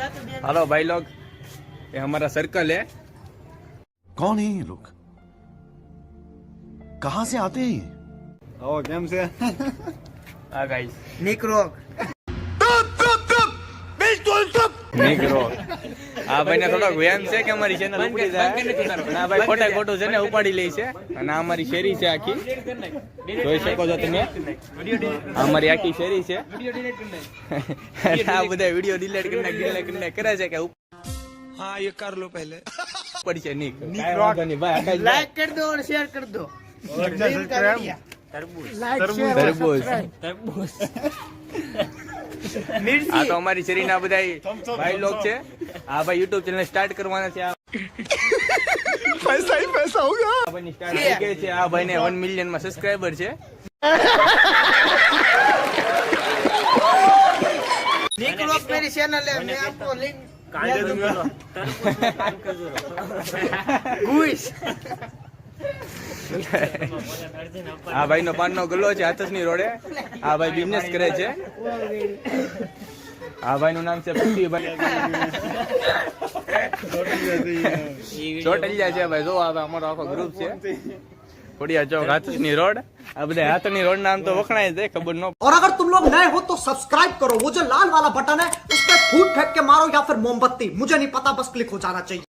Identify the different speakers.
Speaker 1: Hello भाई लोग, ये हमारा सर्कल है।
Speaker 2: कौन है ये लोग? कहां से आते हैं?
Speaker 3: ઓ કેમ છે?
Speaker 1: हाँ गाइस,
Speaker 4: નીકળો
Speaker 1: નીકળો। આ ભાઈને થોડોક વ્યાયામ છે કે અમારી ચેનલ ઉપડી જાય। ના ભાઈ, ખોટા ખોટું છે ને ઉપાડી લે છે। અને આ અમારી શેરી છે આખી, જોઈ શકો છો તમે। આ અમારી આખી શેરી છે। આ બધા વિડિયો ડિલીટ કરીને કરે છે કે
Speaker 5: हाँ ये कर लो पहले
Speaker 1: ઉપડી છે। નીકળો ભાઈ,
Speaker 4: લાઈક કરી દો અને શેર કરી દો।
Speaker 1: તરબૂચ। આ તો અમારી શેરીના બધા ભાઈ લોગ છે। આ ભાઈ યુટ્યુબ ચેનલ સ્ટાર્ટ કરવાના છે।
Speaker 2: पैसा ही पैसा होगा।
Speaker 1: આ ભાઈની સ્ટાર્ટ થઈ ગઈ છે। આ ભાઈને 1 મિલિયન માં સબસ્ક્રાઇબર છે।
Speaker 4: નીકળો मेरी चैनल है, मैं आपको लिंक घुस।
Speaker 1: આ ભાઈ નો પાનનો ગલ્લો છે હાથસની રોડે। આ ભાઈ બિઝનેસ કરે છે। આ ભાઈ નું નામ છે પૃથ્વીભાઈ ચોટલિયા છે ભાઈ। જો અમારો આખો ગ્રુપ છે। ખોડિયા ચોક હાથસની રોડ। આ બધા હાથની રોડ નામ તો વખણાય છે, ખબર ન।
Speaker 6: और अगर तुम लोग नए हो तो सब्सक्राइब करो, वो जो लाल वाला बटन है उस पर फूट फेंक के मारो या फिर मोमबत्ती, मुझे नहीं पता, बस क्लिक हो जाना चाहिए।